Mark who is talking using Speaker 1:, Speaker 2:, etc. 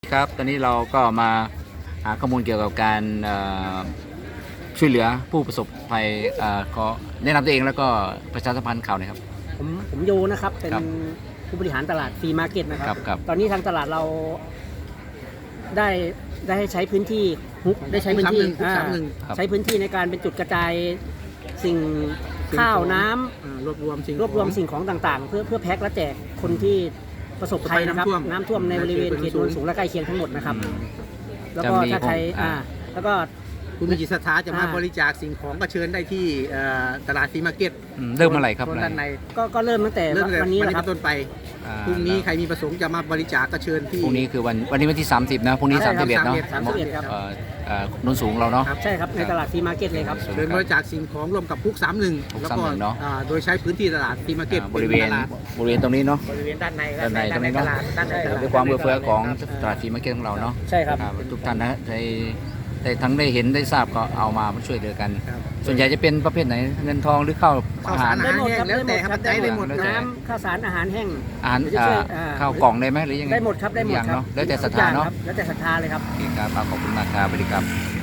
Speaker 1: ครับตอนนี้เราก็มาหาข้อมูลเกี่ยวกับการช่วยเหลือผู้ประสบภัยขอแนะนำตัวเองแล้วก็ประชาสัมพันธ์ข่าวหน่อยครับ
Speaker 2: ผมโยนะครับเป็นผู้บริหารตลาดฟรีมาร์เก็ตนะครับ ตอนนี้ทางตลาดเราได้ให้ใช้พื้นที่ได้ใช้พื้นที่ใช้พื้นที่ในการเป็นจุดกระจายสิ่งข้าวน้ำ
Speaker 3: รวบรวม
Speaker 2: สิ่งของต่างๆเพื่อแพ็คและแจกคนที่ประสบภัยนะครับน้ำท่วมในบริเวณเขตโนนสูงและใกล้เคียงทั้งหมดนะครับแล้วก็ถ้าใครแล้วก็
Speaker 3: คุณมีจิตศรัทธาจะมาบริจาคสิ่งของก็เชิญได้ที่ตลาดฟรีมาร์เก็ต
Speaker 1: เริ่มเมื่อไหร่ครับ
Speaker 3: ด้านใน
Speaker 2: ก็เริ่มตั้งแต่วันนี้
Speaker 3: นะครับต้นไปพรุ่งนี้ใครมีประสงค์จะมาบริจาคก็เชิญที่
Speaker 1: พรุ่งนี้คือวันนี้วันที่30นะพรุ่งนี้31เนาะ
Speaker 2: 31ครับ
Speaker 1: โนนสูงเราเนาะ
Speaker 2: ใช่ครับในตลาดฟรีมาร์เก็ตเลยครับ
Speaker 3: เชิญบริจาคสิ่งของร่วมกับพุก31แล้วก็โดยใช้พื้นที่ตลาดฟรีมาร์เก็ต
Speaker 1: บริเวณตรงนี้เนาะ
Speaker 2: บริเวณด้านใน
Speaker 1: ตรงนี้เนาะด้วยความเอื้อเฟื้อของตลาดฟรีมาร์เก็ตของเราเนาะ
Speaker 2: ใช่ครับ
Speaker 1: ทุกท่านนะได้ทั้งได้เห็นได้ทราบก็เอามาช่วยเหลือกันส่วนใหญ่จะเป็นประเภทไหนเงินทองหรือข้าวอาหาร
Speaker 3: ได้หมดครับแล้วแต่ครับได้หมด
Speaker 2: น้ำข้าวสารอาหารแห้ง
Speaker 1: ข้าวกล่องได้ไหมหรือยังไง
Speaker 2: ได้หมดครับได้หมดครับ
Speaker 1: แล้วแต่ศรัทธาเนาะ
Speaker 2: แล้วแต่ศรัทธาเลยครับ
Speaker 1: โอเคครับขอบคุณมากครับสวัสดีครับ